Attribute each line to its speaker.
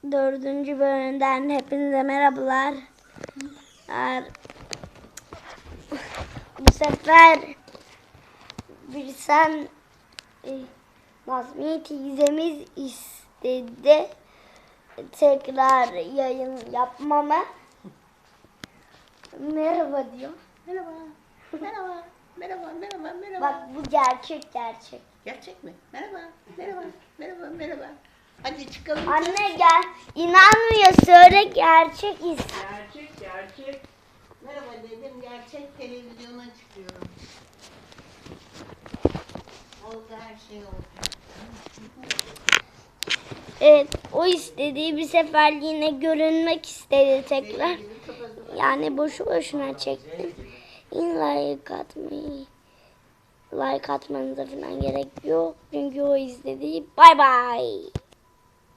Speaker 1: 4. bölümden hepinize merhabalar. Bu sefer Birsen Nazmiye teyzemiz istedi tekrar yayın yapmamı. Merhaba diyor.
Speaker 2: Merhaba. Merhaba. Merhaba. Merhaba. Merhaba.
Speaker 1: Bak bu gerçek.
Speaker 2: Gerçek mi? Merhaba. Merhaba. Merhaba. Merhaba. Hadi çıkalım.
Speaker 1: Anne gel. İnanmıyor, söyle gerçek
Speaker 2: Gerçek. Merhaba dedim. Gerçek televizyona çıkıyorum. Oldu, her şey oldu.
Speaker 1: Evet, o istediği bir seferliğine görünmek istedi tekrar. Yani boşu boşuna çektim. Yine like atmanıza falan gerek yok. Çünkü o istediği. Bye bye.